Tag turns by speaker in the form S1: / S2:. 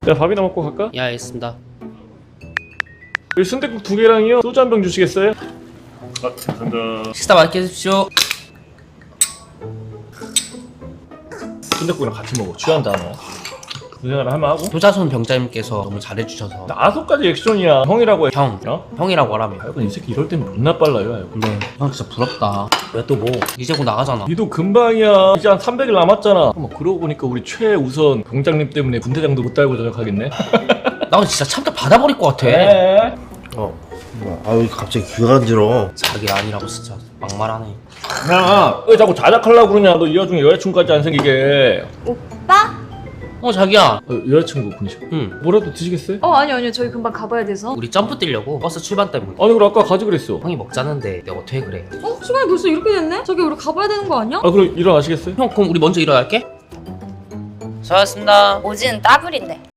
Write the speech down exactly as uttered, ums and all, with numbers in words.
S1: 내가 밥이나 먹고 갈까?
S2: 예, 알겠습니다.
S1: 여기 순댓국 두 개랑요 소주 한 병 주시겠어요? 아, 감사합니다.
S2: 식사 맛있게 해주십시오.
S1: 순댓국이랑 같이 먹어. 취한다 너. 그 생각을 하면 하고.
S2: 도자손 병장님께서 너무 잘해주셔서.
S1: 아소까지 액션이야. 형이라고 해.
S2: 형,
S1: 어?
S2: 형이라고 하라며.
S1: 하여간 이 새끼 이럴 때면 존나 빨라요. 하여간.
S2: 근데 형 진짜 부럽다.
S1: 왜 또 뭐?
S2: 이제 곧 나가잖아.
S1: 니도 금방이야. 이제 한 삼백 일 남았잖아. 뭐 그러고 보니까 우리 최우선 병장님 때문에 군대장도 못 달고 전역하겠네.
S2: 나 오늘 진짜 참깨 받아버릴 것 같아.
S1: 네.
S3: 어, 아유 갑자기 귀가 간지러.
S2: 자기 아니라고 진짜 막말하네.
S1: 야, 왜 자꾸 자작하려고 그러냐? 너 이 와중에 여자친구까지 안 생기게.
S4: 오빠?
S2: 어 자기야.
S1: 어, 여자친구 분이셔.
S2: 응.
S1: 뭐라도 드시겠어요?
S4: 어 아니요 아니요 저희 금방 가봐야 돼서.
S2: 우리 점프 뛰려고 버스 출발 때문에.
S1: 아니 그럼 아까 가지 그랬어.
S2: 형이 먹자는데 내가 어떻게 그래?
S4: 어? 시간이 벌써 이렇게 됐네? 저기 우리 가봐야 되는 거 아니야?
S1: 아 그럼 일어나시겠어요?
S2: 형 그럼 우리 먼저 일어날게. 수고하셨습니다.
S5: 오지는 따블인데.